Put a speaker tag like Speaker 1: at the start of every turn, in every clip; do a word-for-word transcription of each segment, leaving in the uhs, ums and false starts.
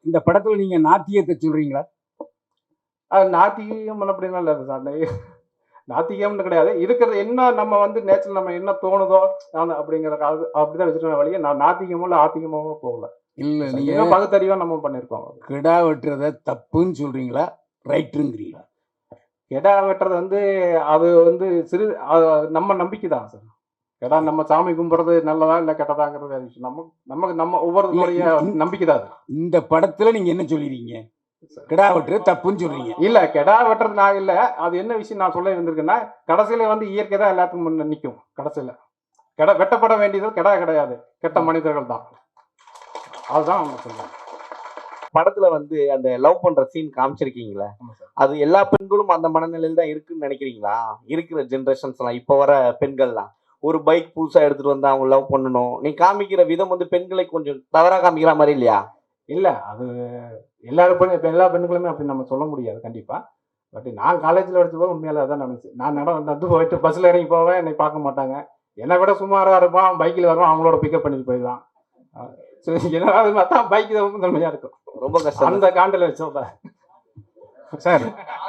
Speaker 1: இந்த படத்துல நீங்க நாத்தியத்தை சொல்றீங்களா?
Speaker 2: அது நாத்திகம் அப்படிலாம் இல்லை சார். நாத்திகம்னு கிடையாது. இருக்கிறது என்ன நம்ம வந்து நேச்சர் நம்ம என்ன தோணுதோ நான் அப்படிங்கிற அது அப்படிதான் வச்சுருக்கேன் வழியே நான் நாத்திகமோ இல்லை ஆத்திகமாவோ போகல.
Speaker 1: இல்ல நீங்க
Speaker 2: இன்னும் பகுத்தறிவா நம்ம பண்ணியிருக்கோம்.
Speaker 1: கிடா வெட்டுறத தப்புன்னு சொல்றீங்களா, ரைட்டுங்கிறீங்களா?
Speaker 2: கெடா வெட்டுறது வந்து அது வந்து சிறு அது நம்ம நம்பிக்கை தான் சார். கெடா நம்ம சாமி கும்பிடுறது நல்லதா இல்லை கெட்டதாங்கிறது வேற விஷயம். நம்ம நமக்கு நம்ம ஒவ்வொருத்தருடைய நம்பிக்கை தான் அது.
Speaker 1: இந்த படத்துல நீங்க என்ன சொல்லிருக்கீங்க? கிடா வெட்டுறது தப்புன்னு சொல்றீங்க.
Speaker 2: இல்ல கெடா வெட்டுறது நான் இல்ல. அது என்ன விஷயம் நான் சொல்ல இருந்திருக்கேன்னா, கடைசியில வந்து இயற்கை தான் எல்லாத்துக்கும் முன்ன நிற்கும். கடைசியில கெடா வெட்டப்பட வேண்டியது கெடா கிடையாது, கெட்ட மனிதர்கள் தான். அதுதான் அவங்க சொல்றாங்க.
Speaker 3: படத்துல வந்து அந்த லவ் பண்ற சீன் காமிச்சிருக்கீங்களா? அது எல்லா பெண்களும் அந்த மனநிலையில தான் இருக்குன்னு நினைக்கிறீங்களா? இருக்கிற ஜென்ரேஷன்ஸ் எல்லாம் இப்ப வர பெண்கள்லாம் ஒரு பைக் புதுசா எடுத்துட்டு வந்து அவங்க லவ் பண்ணணும், நீ காமிக்கிற விதம் வந்து பெண்களை கொஞ்சம் தவறா காமிக்கிற மாதிரி இல்லையா?
Speaker 2: இல்ல அது எல்லாரும் பெண் இப்ப எல்லா பெண்களுமே அப்படி நம்ம சொல்ல முடியாது கண்டிப்பா. பட் நான் காலேஜ்ல படிச்சபோது உண்மையில அதான் நடந்துச்சு. நான் நட வந்து போயிட்டு பஸ்ல இறங்கி போவேன், என்னை பார்க்க மாட்டாங்க. என்னை விட சுமாரா இருப்பான், பைக்கில் வருவான், அவங்களோட பிக்கப் பண்ணிட்டு போயிடுவான். என்னது பார்த்தா பைக் தான் தன்மையா இருக்கும்.
Speaker 3: ரொம்ப கஷ்டம்.
Speaker 2: அந்த காண்டில் வச்சோம்
Speaker 1: சார்.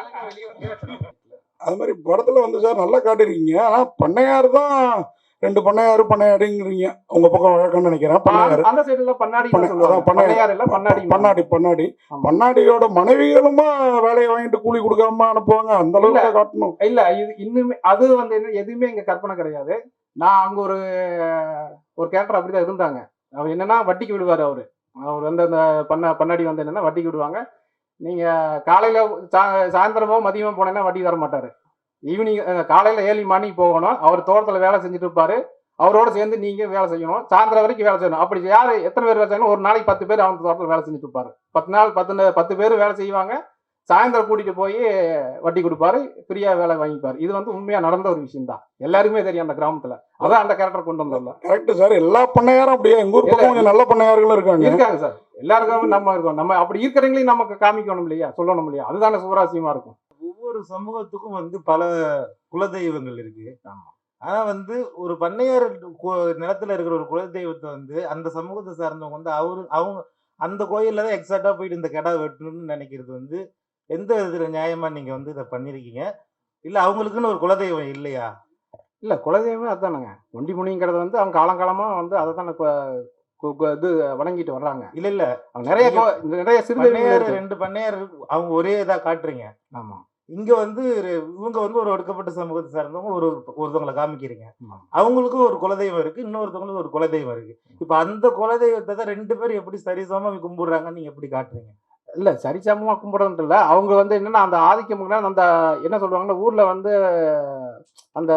Speaker 4: அது மாதிரி படத்துல வந்து சார் நல்லா காட்டிருக்கீங்க. ஆனா பண்ணையார் தான் ரெண்டு பண்ணையாரு பண்ணையாடிங்கிறீங்க. உங்க பக்கம் வழக்கம்னு நினைக்கிறேன். பண்ணையாரு
Speaker 2: அந்த சைடுல பண்ணாடி
Speaker 4: பண்ணையார் இல்ல பண்ணாடி பண்ணாடி பண்ணாடி பண்ணாடியோட மனைவிகளுமா வேலையை வாங்கிட்டு கூலி கொடுக்காம அனுப்புவாங்க. அந்த அளவுக்கு காட்டணும்.
Speaker 2: இல்ல இது இன்னுமே அது வந்து எதுவுமே இங்க கற்பனை கிடையாது. நான் அங்க ஒரு ஒரு கேரக்டர் அப்படிதான் இருந்தாங்க. அவர் என்னன்னா வட்டிக்கு விடுவாரு. அவரு அவர் வந்து அந்த பண்ண பண்ணாடி வந்து என்னன்னா வட்டிக்கு விடுவாங்க. நீங்க காலையில சாயந்தரமோ மதியமோ போனேன்னா வட்டி தர மாட்டாரு. ஈவினிங் காலையில ஏழு மணிக்கு போகணும். அவர் தோட்டத்தில் வேலை செஞ்சுட்டு இருப்பாரு. அவரோட சேர்ந்து நீங்க வேலை செய்யணும். சாயந்தரம் வரைக்கும் வேலை செய்யணும். அப்படி யாரு எத்தனை பேர் வேலை செய்யணும்? ஒரு நாளைக்கு பத்து பேர் அவங்க தோட்டத்தில் வேலை செஞ்சுட்டு இருப்பாரு. பத்து நாள் பத்து பத்து பேர் வேலை செய்வாங்க. சாயந்தரம் கூட்டிட்டு போய் வட்டி கொடுப்பாரு, ஃப்ரீயா வேலை வாங்கிப்பாரு. இது வந்து உண்மையா நடந்த ஒரு விஷயம் தான். எல்லாருமே தெரியும் அந்த கிராமத்துல. அதான் அந்த கேரக்டர் கொண்டு வந்தோம்ல.
Speaker 4: Correct sir. எல்லா பண்ணையாரும் அப்படியே எங்க ஊர் பக்கம் கொஞ்சம் நல்ல பண்ணையார்களும் இருக்காங்க.
Speaker 2: இருக்காங்க சார். எல்லாருக்கும் நம்ம இருக்கோம். நம்ம அப்படி இருக்கிறவங்களையும் நமக்கு காமிக்கணும் இல்லையா, சொல்லணும் இல்லையா? அதுதானே சுவராசியமா இருக்கும்.
Speaker 5: ஒவ்வொரு சமூகத்துக்கும் வந்து பல குலதெய்வங்கள் இருக்கு. ஆனா வந்து ஒரு பண்ணையார் நிலத்துல இருக்கிற ஒரு குலதெய்வத்தை வந்து அந்த சமூகத்தை சார்ந்தவங்க வந்து அவரு அவங்க அந்த கோயில்ல தான் எக்ஸாக்டா போயிட்டு இந்த கெடா வெட்டணும்னு நினைக்கிறது வந்து எந்த விதத்துல நியாயமா நீங்க வந்து இதை பண்ணிருக்கீங்க? இல்ல அவங்களுக்குன்னு ஒரு குலதெய்வம் இல்லையா?
Speaker 2: இல்ல குலதெய்வமே அதுதானுங்க. ஒண்டி முனிங்கிறது வந்து அவங்க காலங்காலமா வந்து அதை தானே இது வணங்கிட்டு வர்றாங்க.
Speaker 5: இல்ல இல்ல
Speaker 2: நிறைய நிறைய சிறு
Speaker 5: ரெண்டு பண்ணையார் அவங்க ஒரே இதா காட்டுறீங்க.
Speaker 2: ஆமா.
Speaker 5: இங்க வந்து இவங்க வந்து ஒரு ஒடுக்கப்பட்ட சமூகத்தை சார்ந்தவங்க ஒரு ஒருத்தவங்களை காமிக்கிறீங்க. அவங்களுக்கும் ஒரு குலதெய்வம் இருக்கு, இன்னொருத்தவங்களுக்கு ஒரு குலதெய்வம் இருக்கு. இப்ப அந்த குலதெய்வத்தை தான் ரெண்டு பேரும் எப்படி சரிசமமா கும்பிடுறாங்கன்னு நீங்க எப்படி காட்டுறீங்க?
Speaker 2: இல்ல சரிசமமா கும்பிடுறது இல்ல. அவங்க வந்து என்னன்னா அந்த ஆதிக்கம் அந்த என்ன சொல்லுவாங்கன்னா ஊர்ல வந்து அந்த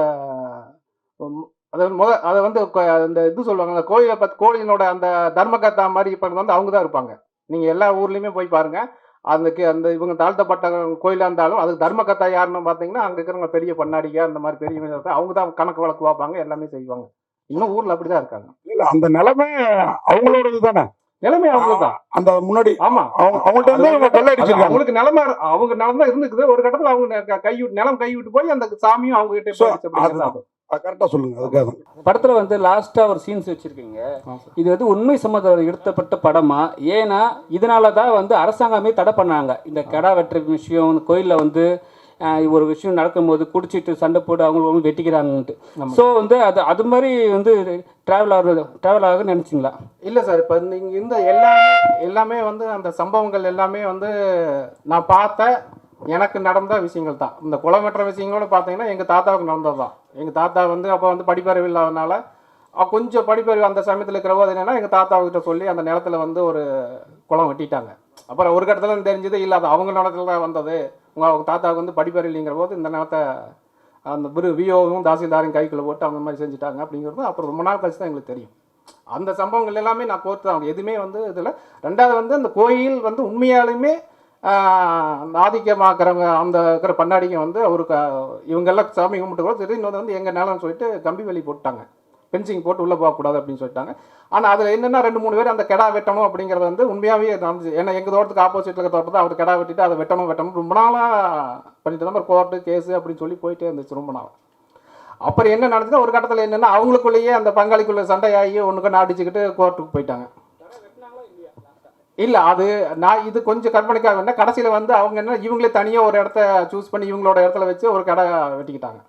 Speaker 2: அதாவது முத அதை வந்து அந்த இது சொல்லுவாங்க கோயிலை பத்தி கோயிலோட அந்த தர்மகர்த்தா மாதிரி இப்ப வந்து அவங்க தான் இருப்பாங்க. நீங்க எல்லா ஊர்லயுமே போய் பாருங்க. அந்த அந்த இவங்க தாழ்த்தப்பட்ட கோயிலாக இருந்தாலும் அதுக்கு தர்மகர்த்தா யாருன்னு பார்த்தீங்கன்னா அங்கே இருக்கிறவங்க பெரிய பண்ணாடியா அந்த மாதிரி பெரிய அவங்க தான் கணக்கு வழக்கு பார்ப்பாங்க, எல்லாமே செய்வாங்க. இன்னும் ஊர்ல அப்படிதான் இருக்காங்க.
Speaker 4: இல்ல அந்த நிலைமை அவங்களோடது தானே.
Speaker 2: நிலைமை அவங்க தான்
Speaker 4: அந்த முன்னாடி.
Speaker 2: ஆமா,
Speaker 4: அவங்க அவங்கள்ட்ட
Speaker 2: அவங்களுக்கு நிலைமை அவங்க நிலம் தான் இருந்துக்குது. ஒரு கட்டத்தில் அவங்க கை விட்டு நிலம் கை விட்டு போய் அந்த சாமியும் அவங்க கிட்ட
Speaker 4: கரெக்டா சொல்லுங்க. அதுக்காக
Speaker 6: படத்துல வந்து லாஸ்டா ஒரு சீன்ஸ் வச்சிருக்கீங்க. இது வந்து உண்மை சம்மந்தம் எடுத்தப்பட்ட படமா? ஏன்னா இதனால தான் வந்து அரசாங்கமே தடை பண்ணாங்க இந்த கெடா வெட்டுற விஷயம். கோயிலில் வந்து ஒரு விஷயம் நடக்கும்போது குடிச்சிட்டு சண்டை போட்டு அவங்களுக்கு வெட்டிக்கிறாங்கன்ட்டு. ஸோ வந்து அது அது மாதிரி வந்து ட்ராவல் ஆகுறது ட்ராவல் ஆகுதுன்னு நினச்சிங்களா?
Speaker 2: இல்லை சார். இப்போ இங்கே இந்த எல்லாமே எல்லாமே வந்து அந்த சம்பவங்கள் எல்லாமே வந்து நான் பார்த்த எனக்கு நடந்த விஷயங்கள் தான். இந்த குளமற்ற விஷயங்களோட பார்த்தீங்கன்னா எங்கள் தாத்தாவுக்கு நடந்தது தான். எங்கள் தாத்தா வந்து அப்போ வந்து படிப்பறிவு இல்லாதனால கொஞ்சம் படிப்பறிவு அந்த சமயத்தில் இருக்கிறவோ அது என்னென்னா எங்கள் தாத்தாவுக்கிட்ட சொல்லி அந்த நிலத்தில் வந்து ஒரு குளம் வெட்டிட்டாங்க. அப்புறம் ஒரு கட்டத்தில் தெரிஞ்சது இல்லை அது அவங்க நிலத்தில் தான் வந்தது, உங்கள் அவங்க தாத்தாவுக்கு வந்து படிப்பறிவு இல்லைங்கிற போது இந்த நிலத்தை அந்த விரு விஓவும் தாசில்தாரையும் கைக்குள்ளே போட்டு அந்த மாதிரி செஞ்சுட்டாங்க அப்படிங்கிறது அப்புறம் ரொம்ப நாள் கழிச்சு தான் எங்களுக்கு தெரியும். அந்த சம்பவங்கள் எல்லாமே நான் கோர்த்து தான் எதுவுமே வந்து இதில். ரெண்டாவது வந்து அந்த கோயில் வந்து உண்மையாலுமே அந்த ஆதிக்கமாக்குறவங்க அந்த இருக்கிற பண்ணாடிங்க வந்து அவருக்கு இவங்கெல்லாம் சாமி கும்பிட்டு கூட சரி இன்னொன்று வந்து எங்கள் நிலம்னு சொல்லிட்டு கம்பி வேலி போட்டாங்க, பென்சிங் போட்டு உள்ளே போகக்கூடாது அப்படின்னு சொல்லிட்டாங்க. ஆனால் அதில் என்னென்னா ரெண்டு மூணு பேர் அந்த கெடா வெட்டணும் அப்படிங்கிறது வந்து உண்மையாகவே நடந்துச்சு. ஏன்னா எங்கள் தோட்டத்துக்கு ஆப்போசிட்டில் இருக்க தோட்டத்தை அவர் கெடா வெட்டிட்டு அதை வெட்டணும் வெட்டணும் ரொம்ப நாளாக பண்ணிட்டு தான் கோர்ட்டு கேஸு அப்படின்னு சொல்லி போயிட்டே இருந்துச்சு ரொம்ப நாள். அப்புறம் என்ன நடந்துச்சுன்னா ஒரு கட்டத்தில் என்னென்னா அவங்களுக்குள்ளேயே அந்த பங்காளிக்குள்ளே சண்டையாகி ஒன்றுக்கு அடிச்சுக்கிட்டு கோர்ட்டுக்கு போயிட்டாங்க. இல்லை அது நான் இது கொஞ்சம் கற்பனைக்காக வேணா கடைசியில் வந்து அவங்க என்ன இவங்களே தனியாக ஒரு இடத்த சூஸ் பண்ணி இவங்களோட இடத்துல வச்சு ஒரு கடை வெட்டிக்கிட்டாங்க.